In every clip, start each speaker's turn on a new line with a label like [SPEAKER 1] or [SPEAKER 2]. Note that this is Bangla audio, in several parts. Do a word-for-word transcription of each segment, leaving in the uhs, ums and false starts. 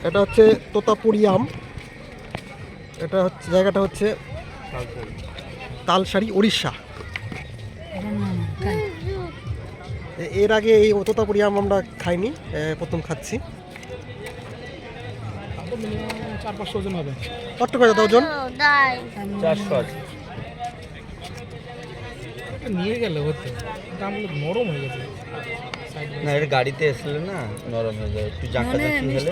[SPEAKER 1] এটা হচ্ছে তোতাপুরি আম। এটা হচ্ছে জায়গাটা হচ্ছে তালসারি, উড়িষ্যা। এ- এর আগে এই তোতাপুরি আম আমরা খাইনি, এ, প্রথম খাচ্ছি।
[SPEAKER 2] চার পাঁচশো ওজন হবে।
[SPEAKER 1] কত করে দাদা ওজন?
[SPEAKER 3] চারশো আছে।
[SPEAKER 2] নিয়ে গেলে হতো, দামগুলো নরম হয়ে গেছে।
[SPEAKER 3] না, এটা গাড়িতে এসলে না নরম হয়ে যায়, একটু জাঁকা জাঁকি হলে।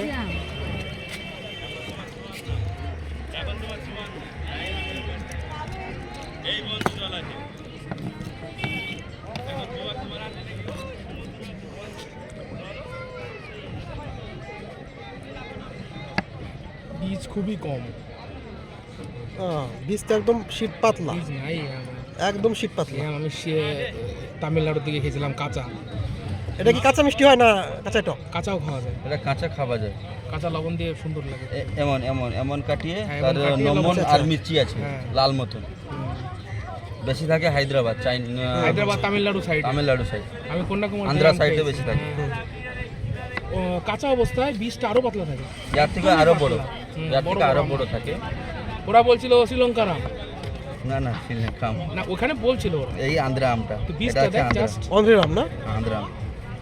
[SPEAKER 2] বীজ খুবই কম,
[SPEAKER 1] আহ, বীজটা একদম শীত পাতলা,
[SPEAKER 2] বীজ নাই আমার।
[SPEAKER 1] একদম শীত পাতলা।
[SPEAKER 2] হ্যাঁ, আমি সে- তামিলনাড়ুর দিকে খেয়েছিলাম কাঁচা।
[SPEAKER 1] এটা কি কাঁচা মিষ্টি হয় না কাঁচা টক?
[SPEAKER 2] কাঁচাও খাওয়া যায়,
[SPEAKER 3] এটা কাঁচা খাওয়া যায়।
[SPEAKER 2] কাঁচা লবণ দিয়ে সুন্দর লাগে।
[SPEAKER 3] এ- এমন এমন এমন কাটিয়ে
[SPEAKER 2] হ্যাঁ,
[SPEAKER 3] তার
[SPEAKER 2] এমন কাটিয়ে
[SPEAKER 3] নমন
[SPEAKER 1] লবণ
[SPEAKER 3] আর
[SPEAKER 1] আছে।
[SPEAKER 3] মির্চি আছে
[SPEAKER 2] হ্যাঁ।
[SPEAKER 3] লাল মতন।
[SPEAKER 2] হুম।
[SPEAKER 3] বেশি থাকে হায়দ্রাবাদ, চাইনা,
[SPEAKER 2] হায়দ্রাবাদ, তামিলনাড়ু সাইড।
[SPEAKER 3] তামিলনাড়ু সাইড,
[SPEAKER 2] আমি কন্যাকুমারী
[SPEAKER 3] আন্ধ্রা সাইডে বেশি থাকে।
[SPEAKER 2] ও, কাঁচা অবস্থায় বীজটা আরো পাতলা থাকে।
[SPEAKER 3] ইয়ার থেকে আরো বড়,
[SPEAKER 2] হুম,
[SPEAKER 3] ইয়ার
[SPEAKER 2] বড়
[SPEAKER 3] থেকে আরো
[SPEAKER 2] বড়
[SPEAKER 3] বড়
[SPEAKER 2] আম।
[SPEAKER 3] থাকে।
[SPEAKER 2] ওরা বলছিল শ্রীলঙ্কার আম,
[SPEAKER 3] না না, শ্রীলঙ্কা আম।
[SPEAKER 2] না ওখানে বলছিল ওরা।
[SPEAKER 3] এই আন্ধ্রা আমটা,
[SPEAKER 2] তো
[SPEAKER 3] এটা
[SPEAKER 2] বীজটা
[SPEAKER 3] হচ্ছে
[SPEAKER 2] দেখ
[SPEAKER 3] আন্ধ্রা,
[SPEAKER 2] জাস্ট,
[SPEAKER 1] অন্ধ্রের আম না?
[SPEAKER 3] আন্ধ্রা আম।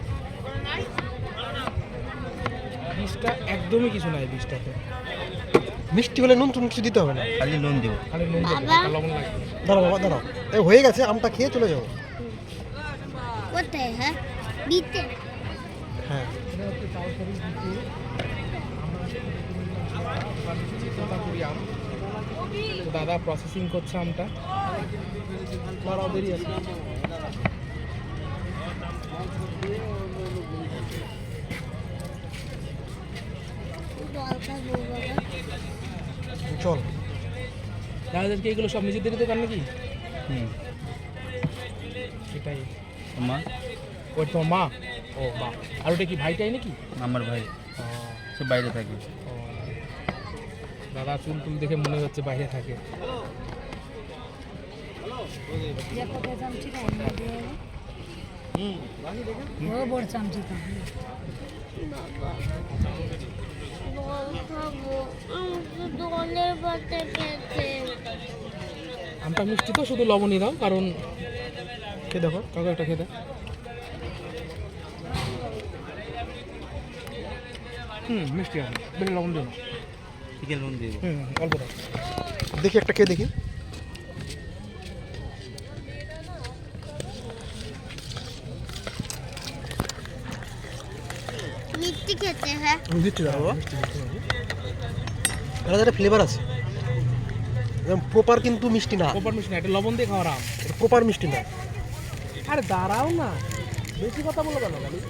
[SPEAKER 2] বীজটা একদমই কিছু নাই বীজটাতে,
[SPEAKER 1] মিষ্টি হলে নুন টুন কিছু দিতে হবে না।
[SPEAKER 3] খালি নুন দিব।
[SPEAKER 2] খালি নুন দেবো, হালকা লবণ লাগবে।
[SPEAKER 1] দাঁড়াও বাবা দাঁড়াও, এই হয়ে গেছে, আমটা খেয়ে চলে যাবো।
[SPEAKER 4] কোথায়? হ্যাঁ দিতে
[SPEAKER 1] হ্যাঁ,
[SPEAKER 2] এটা হচ্ছে তালসারি বিচু। আমরা দিচ্ছি তোতাপুরি আম। তো দাদা প্রসেসিং করছে আমটা, দাঁড়াও দেরি আছে।
[SPEAKER 4] জল খাবো বাবা।
[SPEAKER 1] চল।
[SPEAKER 2] দাদাদেরকে এগুলো সব নিজেদেরই দোকান নাকি?
[SPEAKER 3] হুম।
[SPEAKER 2] সেটাই।
[SPEAKER 3] মা,
[SPEAKER 2] ওর তোমার মা? ও মা। আর ওটা কি ভাইটাই নাকি?
[SPEAKER 3] আমার ভাই, সে বাইরে থাকে।
[SPEAKER 2] ও। দাদা চুল টুল দেখে মনে হচ্ছে বাইরে থাকে।
[SPEAKER 4] জল খাবো, আমি তো জলের পাতে খেতে।
[SPEAKER 2] আমটা মিষ্টি তো, শুধু লবণই দাও, কারণ
[SPEAKER 1] খেয়ে দেখো।
[SPEAKER 2] কাউকে একটা খেতে। হুম, মিষ্টি আছে, বেশি লবণ দিও না।
[SPEAKER 3] চিকেন নুন দিব।
[SPEAKER 2] হুম, অল্প দাও।
[SPEAKER 1] দেখি একটা খেয়ে দেখি।
[SPEAKER 4] মিষ্টি খেতে, হ্যাঁ
[SPEAKER 1] আমি দিচ্ছি দাঁড়া বাবা। এটা একটা ফ্লেভার আছে, প্রপার কিন্তু মিষ্টি না,
[SPEAKER 2] প্রপার মিষ্টি না, এটা লবণ দিয়ে খাওয়ার আম।
[SPEAKER 1] প্রপার মিষ্টি না।
[SPEAKER 2] আরে দাঁড়াও না, বেশি কথা বলো কেন খালি?